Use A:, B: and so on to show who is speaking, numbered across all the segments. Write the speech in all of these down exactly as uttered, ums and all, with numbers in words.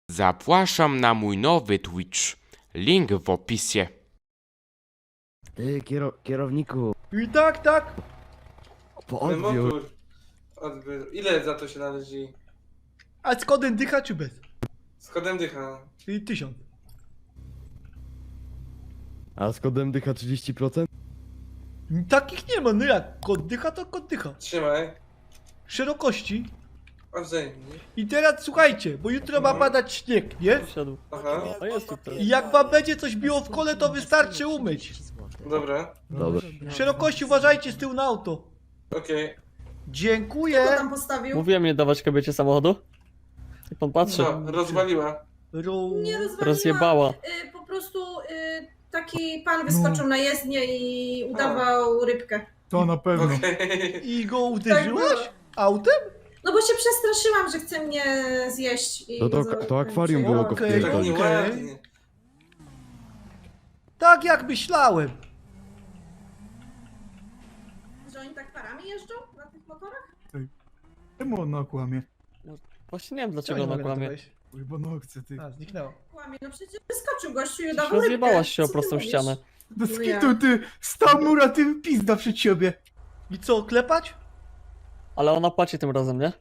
A: Zapraszam na mój nowy Twitch. Link w opisie.
B: Ty, kiero kierowniku,
C: I tak, tak.
B: po
D: Ale
B: odbiór.
D: motor. Odbiór. Ile za to się należy?
C: A z kodem dycha czy bez?
D: Z kodem dycha.
C: I tysiąc.
B: A z kodem dycha trzydzieści procent?
C: Takich nie ma, no jak? Kod dycha to kod dycha.
D: Trzymaj.
C: Szerokości.
D: A wzajemnie.
C: I teraz słuchajcie, bo jutro ma
D: No.
C: padać śnieg, nie?
E: Siadł.
D: Aha.
E: O, jest tutaj.
C: I jak wam będzie coś biło w kole, to wystarczy umyć.
D: Dobra.
B: Dobra.
C: Szerokości uważajcie z tyłu na auto.
D: Okej.
F: Kto
C: Dziękuję.
F: tam postawił?
E: Mówiłem nie dawać kobiecie samochodu. Jak pan patrzy,
D: Co? Rozwaliła.
C: Ro...
F: Nie rozwaliła.
E: rozjebała.
F: Y, po prostu y, taki pan wyskoczył na jezdnię i udawał rybkę.
C: To na pewno.
D: Okej.
C: I go
F: Tak
C: uderzyłaś?
F: było.
C: Autem?
F: No bo się przestraszyłam, że chce mnie zjeść. I
B: No to-
F: za-
B: to akwarium było go
C: Okej,
D: Tak
B: wpierdolić.
D: nieładnie.
C: Tak jak myślałem.
F: Że oni tak parami jeżdżą na tych motorach?
G: Czemu ona kłamie?
E: Właśnie nie wiem
C: Co
E: dlaczego
C: nie
E: ona
C: mogę na to
E: kłamie.
C: wejść?
G: Oj, bo no chce ty.
C: A, zniknęło.
F: Kłamie, no przecież wyskoczył gościu i
E: Przecież
F: udawał rybkę.
E: rozjebałaś się o
F: Co ty
E: prostą
F: mówisz?
E: ścianę.
G: Do
F: No
G: skitu ty, stał mura, ty pizda przed siebie.
C: I co, klepać?
E: Ale ona płaci tym razem, nie?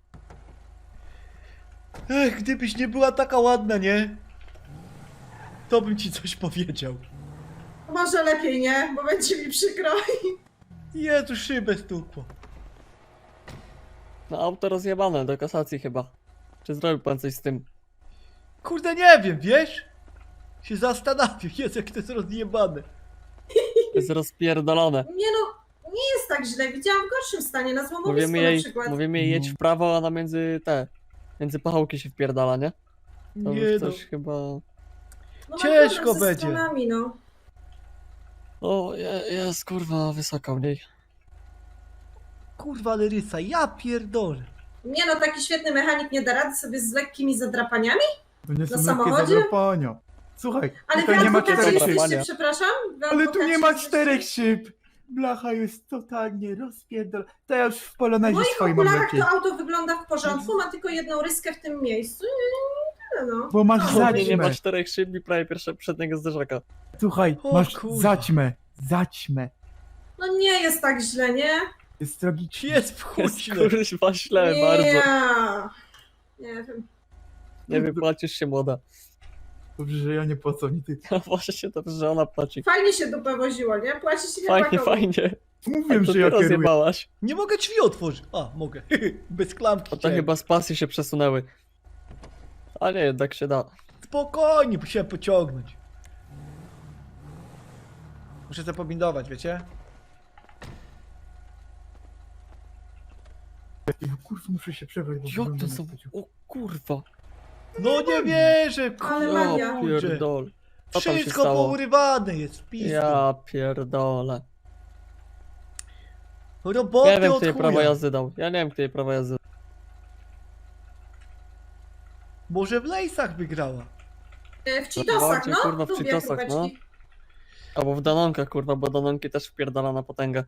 C: Ech, gdybyś nie była taka ładna, nie? To bym ci coś powiedział.
F: Może lepiej nie, bo będzie mi przykro.
C: Jezu, szybę stukło.
E: No auto rozjebane, do kasacji chyba. Czy zrobił pan coś z tym?
C: Kurde, nie wiem, wiesz? Się zastanawiam, jest jak to jest rozjebane.
E: Jest rozpierdolone.
F: Nie no, nie jest tak źle. Widziałam w gorszym stanie, na złomowisku
E: Mówimy
F: na
E: jej,
F: przykład.
E: mówimy jej jedź w prawo, a ona między te... Między pachołki się wpierdala, nie? To
C: Nie
E: już
C: no.
E: coś chyba...
F: No, mam
C: ciężko
F: problem ze
C: będzie.
F: stronami, no.
E: O, je- jest kurwa wysoka u niej.
C: Kurwa, ale rysa, ja pierdolę.
F: Nie no, taki świetny mechanik nie da rady sobie z lekkimi zadrapaniami?
G: To nie są
F: Na
G: lekkie
F: samochodzie?
G: zadrapania. Słuchaj,
F: Ale
G: tutaj
F: wy
G: nie ma
F: adwokaci
G: czterech
E: zadrapania.
G: szyb.
F: jesteście, przepraszam? Wy
G: Ale tu nie ma
F: adwokaci
G: czterech
F: jesteście-
G: szyb. Blacha jest totalnie rozpierdol. To ja już w
F: W
G: polonezie
F: moich
G: swoim mam
F: okularach
G: lepiej.
F: to auto wygląda w porządku, ma tylko jedną ryskę w tym miejscu i tyle no.
G: Bo masz
F: No,
E: U mnie nie ma
G: zaćmę.
E: czterech szyb i prawie pierwsze przedniego zderzaka.
G: Słuchaj,
C: O
G: masz
C: kurwa.
G: zaćmę. Zaćmę.
F: No nie jest tak źle, nie?
G: Jest tragicznie.
C: Jest w chuj
E: Jest
C: źle.
E: kurwa źle
F: nie.
E: bardzo.
F: Nie wiem.
E: Nie wypłacisz się młoda.
G: Dobrze, że ja nie płacę, ani ty.
E: No właśnie dobrze, że ona płaci.
F: Fajnie się dupę woziło, nie? Płaci się
E: Fajnie,
F: chłopakowi.
E: fajnie.
G: Mówiłem,
E: A to
G: że
E: ty
G: ja kieruję.
E: rozjebałaś.
C: Nie mogę drzwi otworzyć. A, mogę. Bez klamki.
E: A to
C: chciałem.
E: chyba z pasji się przesunęły. A nie, jednak się da.
C: Spokojnie, musiałem pociągnąć. Muszę to pobindować, wiecie?
G: Ja, kurwa, muszę się przebrać, bo
E: Jak
G: wyglądam
E: to
G: jak
E: są...
G: pociąg.
E: O kurwa.
C: No nie wierzę,
F: Ale magia.
E: Ja
C: kurczę.
E: pierdol. Co tam się
C: Wszystko
E: stało?
C: pourywane jest w pizdu.
E: Ja pierdolę.
C: Roboty
E: Ja wiem,
C: od
E: kto jej
C: chuja.
E: prawo jazdy dał. Ja nie wiem, kto jej prawo jazdy dał.
C: Może w lejsach wygrała.
F: E, W Cheetosach,
E: Bardziej,
F: no.
E: kurwa, w
F: Lubię
E: Cheetosach,
F: króweczki.
E: Albo w Danonkach, kurwa, bo Danonki też wpierdala na potęgę.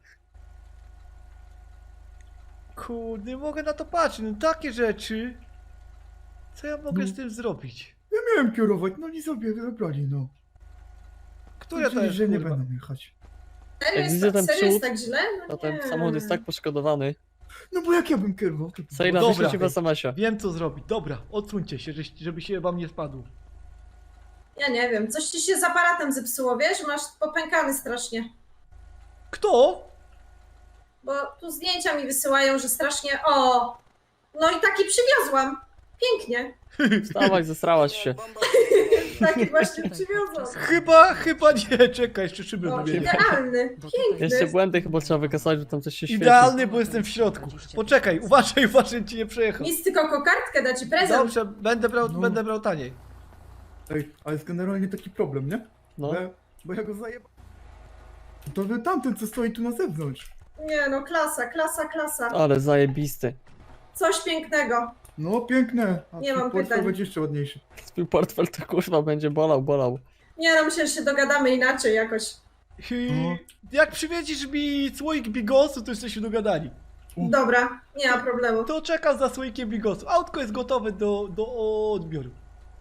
C: Kurde, nie mogę na to patrzeć. No takie rzeczy. Co ja mogę
G: No.
C: z tym zrobić?
G: Ja miałem kierować, no nie sobie zabrali, no.
C: Która to
G: Powiedzieli,
C: jest,
G: że nie
C: kurwa?
G: będą jechać.
F: Serio
E: Jak
F: jest,
E: widzę
F: tak,
E: ten
F: serio jest
E: przód,
F: tak źle?
E: A
F: No
E: ten
F: nie.
E: samochód jest tak poszkodowany.
G: No bo jak ja bym kierował? To...
E: Sejna,
C: dobra.
E: wyślę ci w es em esie.
C: Wiem co zrobić. Dobra, odsuńcie się, żeś- żeby się wam nie spadło.
F: Ja nie wiem, coś ci się z aparatem zepsuło, wiesz? Masz popękany strasznie.
C: Kto?
F: Bo tu zdjęcia mi wysyłają, że strasznie... O! No i taki przywiozłam. Pięknie.
E: Wstawaj, zesrałaś się.
F: Taki właśnie przywiozłam.
C: Chyba, chyba nie. Czekaj, jeszcze szyby
F: No,
C: wymienię.
F: idealny.
E: Jeszcze
F: Piękny.
E: błędy chyba trzeba wykasować, bo tam coś się świeci.
C: Idealny, bo jestem w środku. Poczekaj, uważaj, uważaj, ci nie przejechał.
F: Nic, tylko kokardkę da ci prezent.
C: Dobrze, będę brał,
G: No.
C: będę brał taniej.
G: Ej, ale jest generalnie taki problem, nie?
E: No.
G: Bo, ja, bo ja go zajebałem. To wy tamten, co stoi tu na zewnątrz.
F: Nie no, klasa, klasa, klasa.
E: Ale zajebisty.
F: Coś pięknego.
G: No, piękne. A
F: Nie
G: twój
F: mam
G: portfel
F: pytań.
G: będzie jeszcze ładniejszy.
E: Twój portfel to kurwa będzie bolał, bolał.
F: Nie no, myślę, że się dogadamy inaczej jakoś.
C: I
G: No.
C: jak przywiezisz mi słoik bigosu, to jesteśmy dogadani.
F: Dobra, nie ma problemu.
C: To czekam za słoikiem bigosu. Autko jest gotowe do, do odbioru.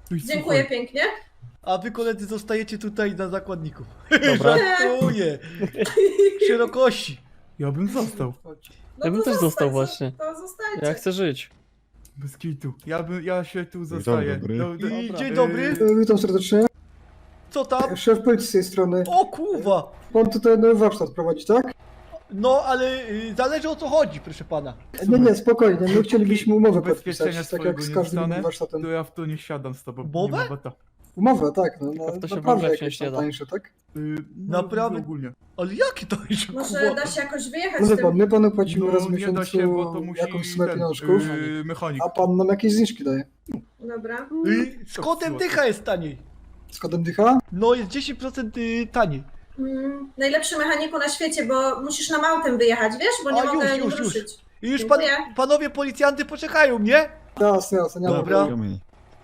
G: Oj,
F: Dziękuję
G: słuchaj,
F: pięknie.
C: A wy koledzy zostajecie tutaj na zakładników.
E: Dobra.
C: Żartuję. Szerokości.
G: Ja bym został.
F: No
E: Ja bym
F: to
E: też
F: zostań,
E: został
F: zo-
E: właśnie.
F: To zostańcie.
E: Ja chcę żyć.
G: Bez kitu. Ja bym, ja się tu zostaję.
B: dobry.
G: Do- do-
C: I
E: Dobra.
C: dzień dobry.
G: Yy,
H: Witam serdecznie.
C: Co tam?
H: Szef policji z tej strony.
C: O kurwa.
H: Pan tutaj nowy warsztat prowadzi, tak?
C: No, ale y, zależy o co chodzi, proszę pana.
H: Nie, nie, spokojnie. My chcielibyśmy umowę
G: Ubezpieczenia
H: podpisać, tak
G: swojego
H: jak z
G: nie
H: każdym innym
G: dostanę,
H: warsztatem.
G: to ja w to nie siadam z tobą.
C: Umowę?
G: Nie ma bata.
H: Umowę, tak. No,
E: Tylko
H: no,
E: w to się
H: naprawdę
E: wątpić
H: jakieś
E: nie
H: tam
E: da.
H: tańsze, tak?
G: Yy, no,
C: Naprawdę?
G: Ogólnie.
C: Ale jakie to jest
F: Może
C: kurwa?
F: da się jakoś wyjechać
H: No
F: z
H: wie
F: tym?
H: pan, my panu płacimy
G: No
H: raz w
G: nie da się, bo to
H: miesiącu
G: musi
H: jakąś sumę
G: ten,
H: pieniążków,
G: yy, mechanik.
H: a pan nam jakieś zniżki daje.
F: Dobra.
C: Y, z kodem dycha jest taniej.
H: Z kodem dycha?
C: No, jest dziesięć procent y, taniej.
F: Mm, najlepszy mechaniku na świecie, bo musisz nam autem wyjechać, wiesz? Bo nie
C: A,
F: mogę
C: już,
F: nim
C: już, już.
F: ruszyć.
C: I już pan,
F: Dziękuję.
C: panowie policjanty poczekają, nie?
H: Jasne, jasne, nie ma
C: Dobra.
H: problemu.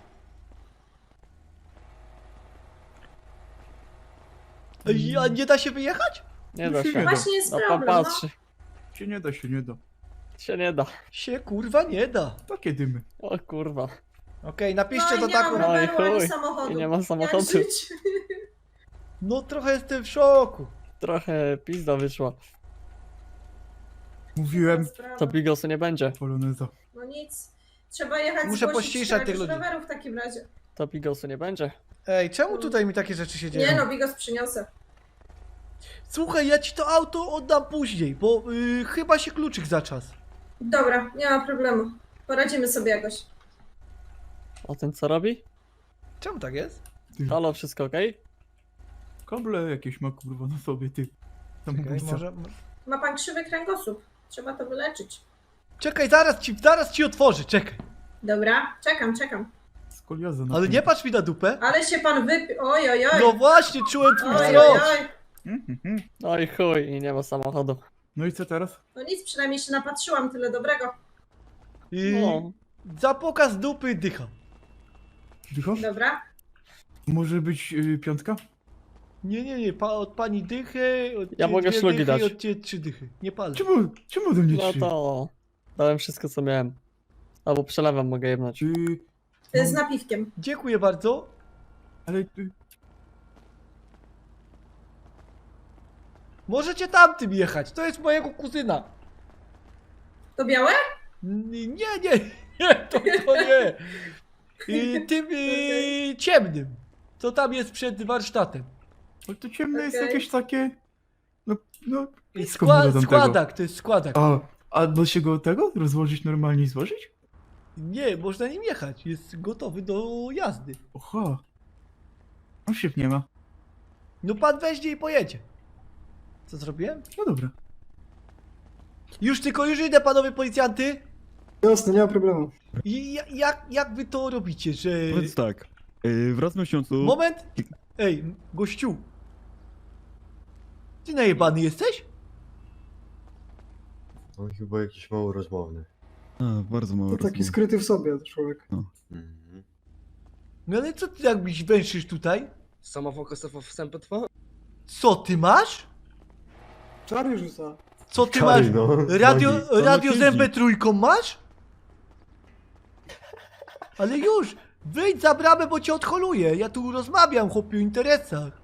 C: Y, A nie da się wyjechać?
E: Nie da
G: się
E: się.
G: nie da.
F: Właśnie jest
E: No pan
F: problem, no.
E: patrzy.
G: Się nie da, się nie da.
E: Się nie da.
C: Się kurwa nie da.
G: Takie dymy.
E: O kurwa.
C: Okej, napiszcie
F: No i
C: to
F: nie
C: taką.
F: mam
E: No i
F: roweru ani
E: chuj.
F: samochodu.
E: I nie ma
F: Jak
E: samochodu.
F: żyć?
C: No trochę jestem w szoku.
E: Trochę pizda wyszła.
G: Mówiłem,
F: Sprawa.
E: To bigosu nie będzie.
G: poloneza.
F: No nic. Trzeba jechać
C: Muszę
F: zgłosić
C: pościszać tych
F: któregoś
C: ludzi.
F: roweru w takim razie.
E: To bigosu nie będzie.
C: Ej, czemu tutaj mi takie rzeczy się dzieją?
F: Nie no, bigos przyniosę.
C: Słuchaj, ja ci to auto oddam później, bo y, chyba się kluczyk za czas.
F: Dobra, nie ma problemu. Poradzimy sobie jakoś.
E: O ten co robi?
C: Czemu tak jest?
E: Halo, wszystko okej?
G: Kable jakieś ma kurwa na sobie, ty.
C: Czekaj,
G: Samobójca.
C: może...
F: Ma pan krzywy kręgosłup. Trzeba to wyleczyć.
C: Czekaj, zaraz ci, zaraz ci otworzę, czekaj.
F: Dobra, czekam, czekam.
G: Skolioza na
C: Ale
G: tym.
C: nie patrz mi na dupę.
F: Ale się pan wypi... Oj, oj, oj.
C: No właśnie, czułem twój
F: Oj, oj,
C: wzrok.
F: oj.
G: Mhm, mhm.
E: No i chuj, i nie ma samochodu.
G: No i co teraz?
F: No nic, przynajmniej się napatrzyłam, tyle dobrego.
C: Y,
E: No.
C: Za pokaz dupy dycha.
G: Dycho?
F: Dobra.
G: Może być yy, piątka?
C: Nie, nie, nie, pa, od pani dychy, od
E: Ja
C: ciebie
E: mogę
C: dwie
E: szlugi
C: dychy
E: dać.
C: i od ciebie trzy dychy. Nie palę.
G: Czemu, czemu do mnie
E: No
G: trzy?
E: to dałem wszystko co miałem. Albo przelewem mogę jebnąć.
G: Yy,
F: Y,
G: no,
F: Z napiwkiem.
C: Dziękuję bardzo.
G: ale yy,
C: Możecie tamtym jechać, to jest mojego kuzyna.
F: To białe?
C: N- Nie, nie, nie, to, to nie. Y, tym y, ciemnym, co tam jest przed warsztatem.
G: ale to ciemne jest
F: Okej.
G: jakieś takie... No, no...
C: Y,
G: blisko
C: Skła,
G: było tamtego.
C: składak, to jest składak.
G: A, a da się go tego rozłożyć normalnie i złożyć?
C: Nie, można nim jechać, jest gotowy do jazdy.
G: Oha. A szyb nie ma.
C: No pan weźmie i pojedzie. Co zrobiłem?
G: No dobra.
C: Już tylko, już idę panowie policjanty.
H: Jasne, nie ma problemu.
C: I ja- jak, jak wy to robicie, że...
B: Powiedz tak, yy, raz w miesiącu...
C: Moment! Ej, gościu! Ty najebany jesteś?
I: On chyba jakiś mało rozmowny.
B: A, bardzo mało
H: To taki
B: rozmów.
H: skryty w sobie człowiek.
I: Mhm.
C: No ale co ty jakbyś węszysz tutaj?
J: Samofokusowo wstępy trwa?
C: Co ty masz?
H: Czary rzuca.
C: Co ty
I: Czary,
C: masz?
I: no.
C: Radio,
I: Nogi.
C: radio
B: siedzi.
C: z M P trzy masz? Ale już! Wyjdź za bramę, bo cię odholuję. Ja tu rozmawiam, chłopie, o interesach.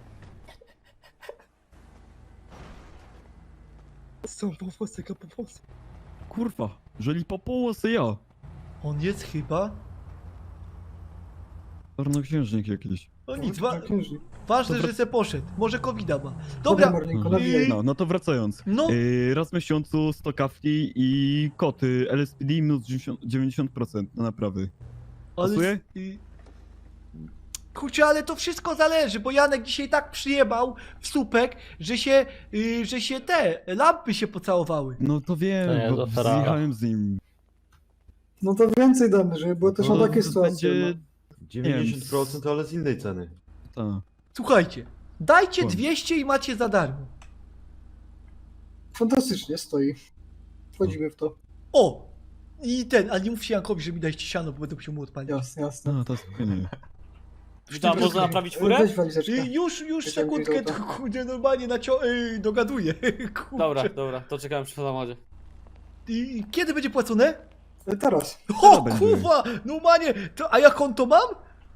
J: Są powłosy, powłosy.
B: Kurwa, jeżeli po połosy ja.
C: On jest chyba...
B: Czarnoksiężnik jakiś.
C: O nic, wa
H: Księżnik.
C: ważne,
B: Dobra.
C: że se poszedł. Może kowida ma.
H: Dobra,
C: Dobra,
H: Marlinko,
C: i-
H: nawijaj.
B: No, no to wracając.
C: no...
B: Yy, raz w miesiącu sto kawki i koty L S P D minus dziewięćdziesiąt procent na naprawy. Pasuje?
C: i- Kurczę, ale to wszystko zależy, bo Janek dzisiaj tak przyjebał w słupek, że się, y, że się te lampy się pocałowały.
B: No to wiem,
E: To nie,
B: bo
E: to Ferrara.
B: zjechałem z nim.
H: No to więcej damy, żeby było też na
B: To
H: takie sytuacje.
B: będzie...
I: dziewięćdziesiąt procent, ale z innej ceny.
B: Ta.
C: Słuchajcie, dajcie
B: Kłam.
C: dwieście i macie za darmo.
H: No. Fantastycznie stoi. Wchodzimy w to.
C: O! I ten, ale nie mówcie Jankowi, że mi dajcie siano, bo będę musiał mu odpalić.
H: Jasne, jasne.
B: No, to spokojnie.
J: Witam, można naprawić furę?
H: Weź walizeczkę.
C: Y, już, już
H: Czekam,
C: sekundkę,
H: gdzie to?
C: to kurde, normalnie nacio... Y, dogaduję. Kurczę.
J: Dobra, dobra, to czekałem przy samochodzie.
C: I kiedy będzie płacone?
H: E, Teraz.
C: O
B: będzie.
C: kurwa! Normalnie! To, a jak on to mam?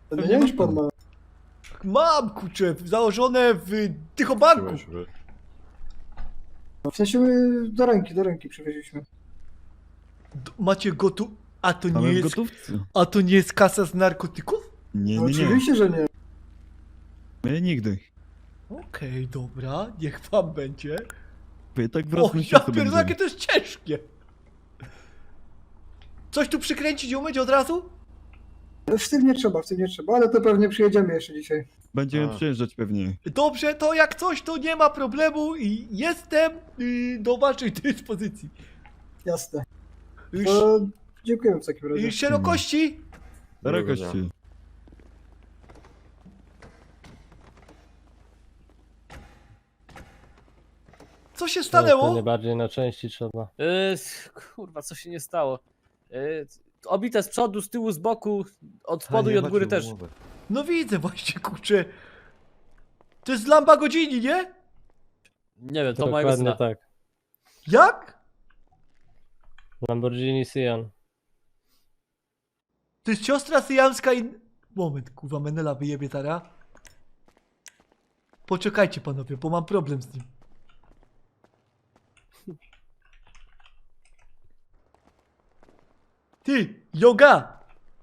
H: No nie już pan ma.
C: Mam, kurczę, założone w Tychobanku.
I: Trzymaj się, że-
H: No, w sensie my do ręki, do ręki przywieźliśmy.
C: D- Macie gotu... A to nie
B: Mamy w
C: jest...
B: gotówce.
C: A to nie jest kasa z narkotyków?
B: Nie,
H: No,
B: nie, nie.
H: oczywiście, że nie.
B: My nigdy.
C: Okej, dobra, niech wam będzie.
B: Wy tak w
C: O,
B: rozmyśle
C: ja
B: sobie
C: pierdolę, jakie
B: będziemy.
C: to jest ciężkie. Coś tu przykręcić i umyć od razu?
H: W tym nie trzeba, w tym nie trzeba, ale to pewnie przyjedziemy jeszcze dzisiaj.
B: Będziemy
I: A.
B: przyjeżdżać pewnie.
C: Dobrze, to jak coś, to nie ma problemu i jestem y, do waszej dyspozycji.
H: Jasne.
C: Y,
H: To dziękujemy w takim
C: y,
H: razie.
C: szerokości?
B: Szerokości.
C: Co się stanęło?
J: bardziej na części trzeba. Yy, kurwa, co się nie stało? Yy, obite z przodu, z tyłu, z boku, od spodu
I: A,
J: i
I: nie
J: od góry
I: macie
J: też.
I: umowy.
C: No widzę właśnie, kurczę. To jest lamba godzini, nie?
J: Nie wiem, to mojego syna.
K: tak.
C: Jak?
K: Lamborghini Sian.
C: To jest siostra syjamska i... Moment, kurwa, Menela wyjebie tara. Poczekajcie panowie, bo mam problem z nim. Ty, yoga!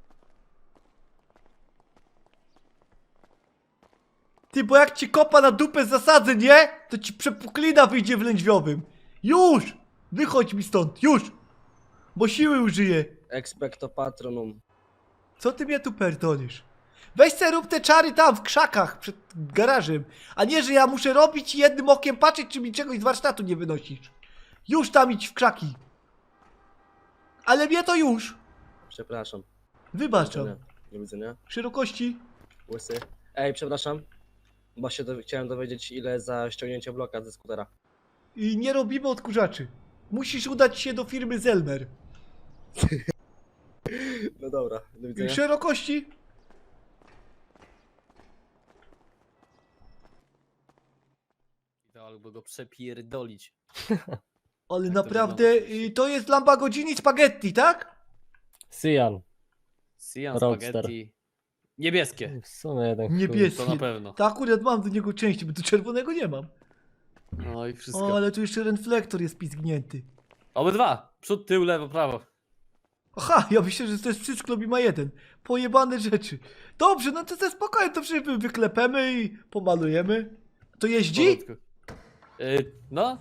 C: Ty, bo jak ci kopa na dupę zasadzę, nie? To ci przepuklina wyjdzie w lędźwiowym. Już! Wychodź mi stąd, już! Bo siły użyję.
J: Expecto patronum.
C: Co ty mnie tu pierdolisz? Weź se rób te czary tam w krzakach przed garażem, a nie, że ja muszę robić i jednym okiem patrzeć, czy mi czegoś z warsztatu nie wynosisz. Już tam idź w krzaki. Ale mnie to już.
J: Przepraszam.
C: Wybaczam.
J: Do widzenia.
C: Szerokości.
J: Łysy. Ej, przepraszam. Bo się do... chciałem dowiedzieć, ile za ściągnięcie bloka ze skutera.
C: I nie robimy odkurzaczy. Musisz udać się do firmy Zelmer.
J: No dobra, do widzenia.
C: Szerokości.
J: Albo go przepierdolić.
C: Ale
J: to
C: naprawdę,
J: wygląda?
C: y, to jest Lamborghini Spaghetti, tak?
K: Sian.
J: Sian
K: Roadster.
J: spaghetti. Niebieskie.
K: W sumie jeden chuj.
C: Niebieskie.
J: To na pewno.
C: Tak, akurat mam do niego części, bo tu czerwonego nie mam.
J: No i wszystko.
C: O, ale tu jeszcze reflektor jest pizgnięty.
J: Obydwa. Przód, tył, lewo, prawo.
C: Aha, ja myślę, że to jest wszystko mi ma jeden. Pojebane rzeczy. Dobrze, no to ze spokojnie to wszystko wyklepemy i pomalujemy. To jeździ?
J: Porządku. Yy, no.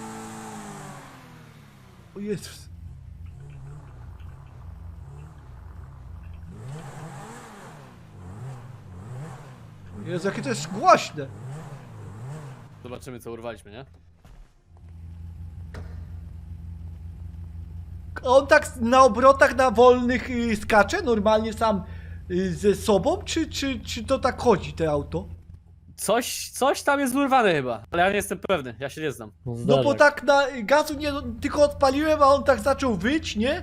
C: O Jezus. Jezu, jakie to jest głośne.
J: Zobaczymy, co urwaliśmy, nie?
C: On tak na obrotach, na wolnych y, skacze normalnie sam y, ze sobą, czy, czy, czy to tak chodzi, te auto?
J: Coś, coś tam jest urwane chyba, ale ja nie jestem pewny, ja się nie znam.
C: No bo
K: Zdarzak.
C: tak na gazu nie, tylko odpaliłem, a on tak zaczął wyć, nie?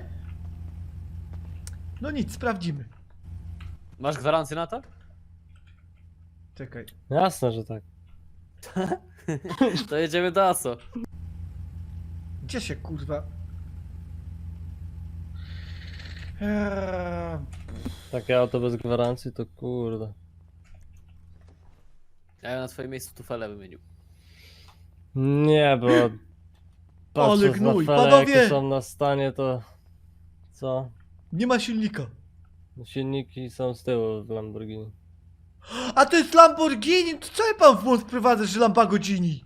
C: No nic, sprawdzimy.
J: Masz gwarancję na to?
C: Czekaj.
K: Jasne, że tak.
J: To jedziemy do ASO.
C: Gdzie się kurwa? Eee,
K: Takie auto bez gwarancji to kurde.
J: Ja bym na twoim miejscu tufele wymienił.
K: Nie, bo patrząc na
C: gnój,
K: fele,
C: panowie!
K: jakie są na stanie, to co?
C: nie ma silnika.
K: Silniki są z tyłu w Lamborghini.
C: A to jest Lamborghini? To co ja pan w błąd wprowadza, że Lamborghini?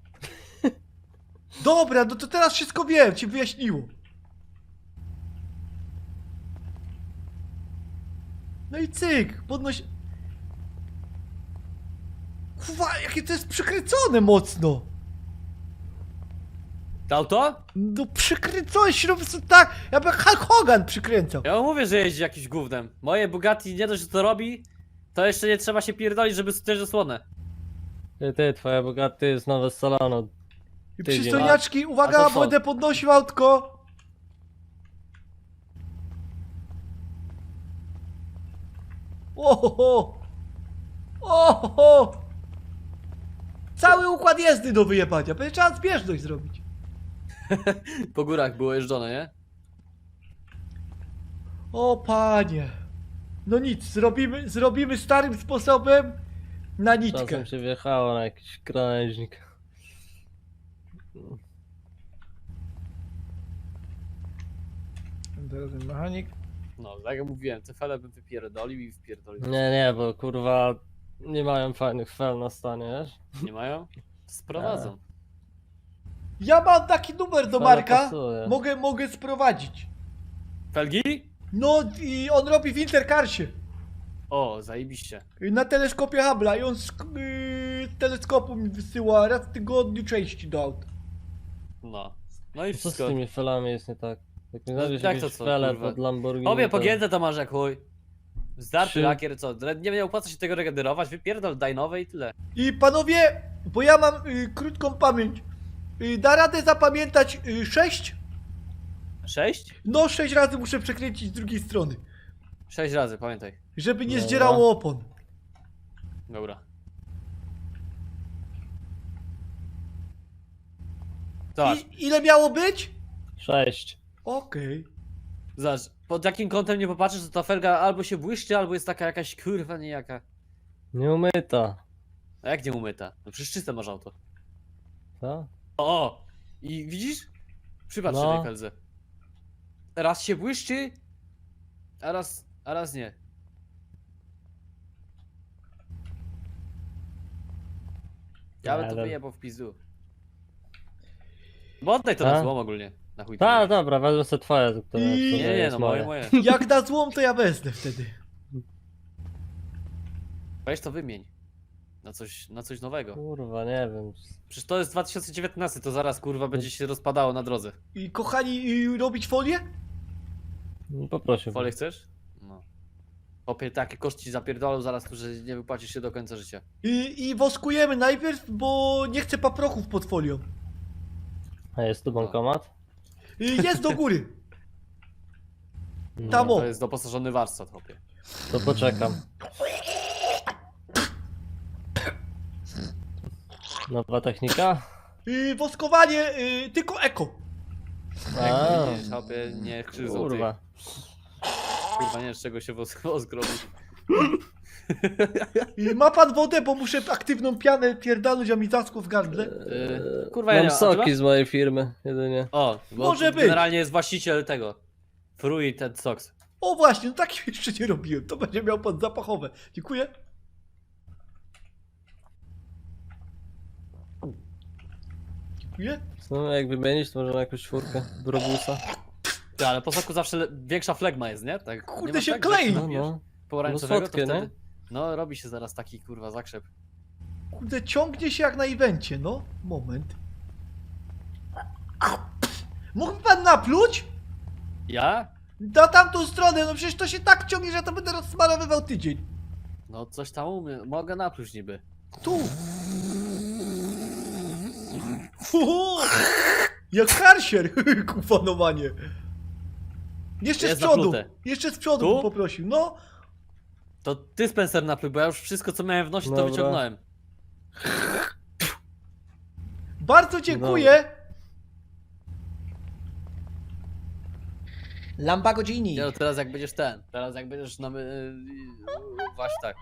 C: Dobra, no to teraz wszystko wiem, ci wyjaśniło. No i cyk, podnoś... Kurwa, jakie to jest przykręcone mocno.
J: To auto?
C: No przykręcone się po prostu tak, jakby Hulk Hogan przykręcał.
J: Ja wam mówię, że jeździ jakimś gównem. Moje Bugatti nie dość, że to robi, to jeszcze nie trzeba się pierdolić, żeby też zasłonę.
K: Ty, ty, twoja Bugatti jest nowe z salonu.
C: I
K: Tydzień.
C: przystojniaczki,
J: A
C: uwaga,
J: to co?
C: będę podnosił autko. Oho! Oho! Cały układ jazdy do wyjebania, będzie trzeba zbieżność zrobić.
J: Po górach było jeżdżone, nie?
C: O panie. No nic, zrobimy, zrobimy starym sposobem na nitkę.
K: Czasem się wjechało na jakiś krawężnik.
C: Teraz mechanik.
J: No, tak jak mówiłem, te fele bym wypierdolił i wpierdolił.
K: Nie, nie, bo kurwa nie mają fajnych fel na stanie, wiesz?
J: Nie mają? Sprowadzą.
C: Ja mam taki numer do
K: Fele
C: Marka.
K: pasuje.
C: Mogę, mogę sprowadzić.
J: Felgi?
C: No i on robi w Intercarsie.
J: O, zajebiście.
C: Na teleskopie Hubble'a i on z yy, teleskopu mi wysyła raz w tygodniu części do aut.
J: No. No i
K: Co z
J: wszystko.
K: tymi felami jest nie tak? Jak mi
J: No,
K: znajdziesz
J: jak
K: jakieś
J: to co,
K: fele
J: kurwa?
K: pod Lamborghini,
J: Obie
K: to-
J: pogięte to masz jak chuj. Zdarty
K: Trzy.
J: lakier, co? Nie, nie opłaca się tego regenerować, wypierdol, daj nowe i tyle.
C: I panowie, bo ja mam y, krótką pamięć. Y, da radę zapamiętać y, sześć?
J: Sześć?
C: No sześć razy muszę przekręcić z drugiej strony.
J: Sześć razy, pamiętaj.
C: Żeby nie
K: Dobra.
C: zdzierało opon.
J: Dobra. Zobacz,
C: I, ile miało być?
K: Sześć.
C: Okej.
J: zobacz, pod jakim kątem nie popatrzysz, to ta felga albo się błyszczy, albo jest taka jakaś kurwa niejaka.
K: Nieumyta.
J: A jak nie umyta? No przecież czyste masz auto.
K: Co?
J: O! I widzisz? Przypatrz się
K: No.
J: tej feldze. Raz się błyszczy, a raz, a raz nie. Ja bym
K: Nie
J: to
K: wiem.
J: wyjebał w pizdu. Bo oddaj to
K: Ta?
J: na złom ogólnie. Na chuj to
K: Ta,
J: nie.
K: dobra, wezmę sobie twoje, które
C: I-
K: w sumie
J: Nie, nie,
K: jest
J: no moje, moje.
C: Jak na złom, to ja wezmę wtedy.
J: Weź to wymień. Na coś, na coś nowego.
K: Kurwa, nie wiem.
J: Przecież to jest dwa tysiące dziewiętnasty, to zaraz kurwa będzie się rozpadało na drodze.
C: I kochani, y, robić folię?
K: No, poprosił.
J: Folię chcesz? No. Opie takie koszty ci zapierdolą zaraz tu, że nie wypłacisz się do końca życia.
C: I, I woskujemy najpierw, bo nie chcę paprochów pod folią.
K: A jest tu bankomat?
C: Y, jest do góry.
K: No,
C: Tam o.
J: To jest doposażony warsztat, chłopie.
K: To poczekam. Nowa technika?
C: Y, woskowanie, y, tylko eko.
K: A,
J: Jak widzisz, chłopie, nie krzyżą
K: kurwa.
J: ty. Kurwa, nie, z czego się wosk, wosk robi.
C: Y, ma pan wodę, bo muszę aktywną pianę pierdalnąć, a mi zaschło w gardle.
J: Yy, kurwa, ja
K: Mam
J: nie a ty masz?
K: soki z mojej firmy, jedynie.
J: O, bo
C: Może być.
J: generalnie jest właściciel tego. Fruit and Sox.
C: O właśnie, no tak jeszcze nie robiłem. To będzie miał pan zapachowe. Dziękuję. Dziękuję.
K: No, jak wymienić, to może na jakąś czwórkę. Brobusa.
J: Ty, ale po soku zawsze le- większa flegma jest, nie? Tak,
C: Kurde,
J: nie ma
C: się
J: tak, że
C: klei.
J: jak
K: No,
J: napijesz
K: no.
J: pomarańczowego, to
K: słodkie, nie?
J: wtedy... No, robi się zaraz taki kurwa zakrzep.
C: Kurde, ciągnie się jak na evencie, no. Moment. Mógłby pan napluć?
J: Ja?
C: Na tamtą stronę, no przecież to się tak ciągnie, że ja to będę rozsmarowywał tydzień.
J: No coś tam umiem, mogę napluć niby.
C: Tu. Uhu, jak karsier, kufanowanie. Jeszcze
J: Jest
C: z przodu,
J: naplute.
C: jeszcze z przodu
J: Tu?
C: bym poprosił, no.
J: To ty Spencer napluj, bo ja już wszystko co miałem w nosie to
K: Dobra.
J: wyciągnąłem.
C: Bardzo dziękuję. Lamba godzini.
J: Nie, no teraz jak będziesz ten, teraz jak będziesz na... Yy, właśnie tak.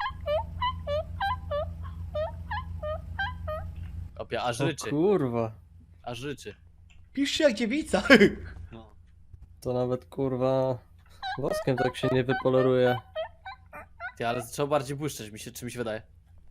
J: Opie, aż
K: O
J: ryczy,
K: kurwa.
J: aż ryczy.
C: Pisz się jak dziewica.
J: No.
K: To nawet kurwa... Woskiem tak się nie wypoleruje.
J: Ty, ale trzeba bardziej błyszczeć, mi się, czy mi się wydaje.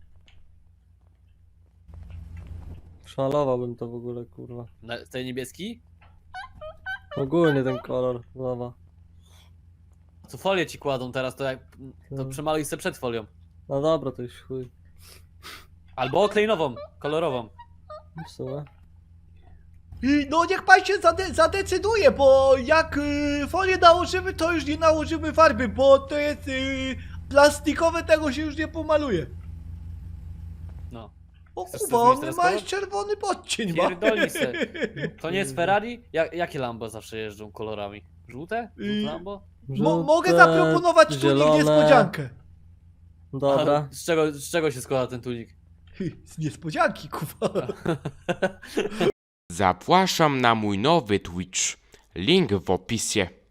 K: Szalowałbym to w ogóle, kurwa.
J: Na, tej niebieski?
K: Ogólnie ten kolor, nowa.
J: Co folię ci kładą teraz, to jak... To
K: No.
J: przemaluj se przed folią.
K: No dobra, to już chuj.
J: Albo oklej nową, kolorową.
K: W sumie.
C: I no niech pan się zade zadecyduje, bo jak y, folię nałożymy, to już nie nałożymy farby, bo to jest y, plastikowe, tego się już nie pomaluje.
J: No.
C: O
J: Chcesz
C: kurwa,
J: sobie zmienić
C: on
J: teraz
C: ma
J: kolor?
C: już czerwony podcień ma.
J: Pierdolnij se. To nie jest Ferrari? Jak, jakie Lambo zawsze jeżdżą kolorami? Żółte?
C: Y-
J: Żółte Lambo?
C: Mo mogę
K: Żółte,
C: zaproponować tunik
K: zielone.
C: niespodziankę.
K: Dobra.
J: A z czego, z czego się składa ten tunik?
C: Z niespodzianki, kurwa.
A: Zapraszam na mój nowy Twitch. Link w opisie.